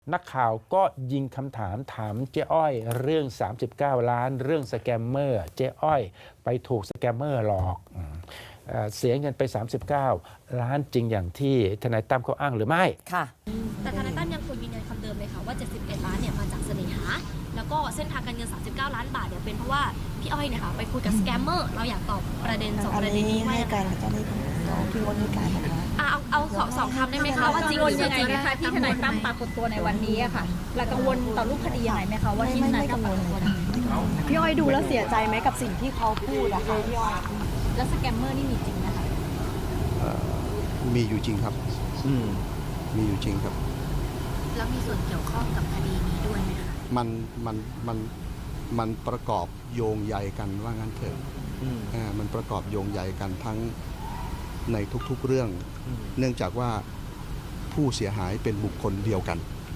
นักข่าวก็ยิงคำถามเจ๊อ้อยเรื่อง39 ล้านเรื่องสแกมเมอร์เจ๊อ้อยไปถูกสแกมเมอร์หลอกเสียเงินไป39 ล้านจริงอย่างที่ทนายตั้มเขาอ้างหรือไม่ค่ะแต่ทนายตั้มยังคงยืนยันคำเดิมเลยค่ะว่า71 ล้านเนี่ยมาจากเสน่หาแล้วก็เส้นทางการเงิน39 ล้านบาทเนี่ยเป็นเพราะว่าพี่อ้อยเนี่ยค่ะไปคุยกับสแกมเมอร์เราอยากตอบประเด็น2ประเด็นนี้ให้การเจ้าหน้าที่พี่วันนี้การนะคะเอาสองคำได้ไหมคะว่าจริงหรือไม่จริงนะคะที่ทนายตั้มปรากฏตัวในวันนี้อะค่ะเรากังวลต่อรูปคดียังไงไหมคะว่าที่ทนายตั้มปรากฏตัวพี่อ้อยดูแล้วเสียใจไหมกับสิ่งที่เขาพูดอะคะพี่อ้อยแล้วสแกมเมอร์นี่มีจริงนะคะมีอยู่จริงครับมีอยู่จริงครับแล้วมีส่วนเกี่ยวข้องกับคดีนี้ด้วยไหมคะมันประกอบโยงใยกันว่างั้นเถอะมันประกอบโยงใยกันทั้งในทุกๆเรื่องเนื่องจากว่าผู้เสียหายเป็นบุคคลเดียวกัน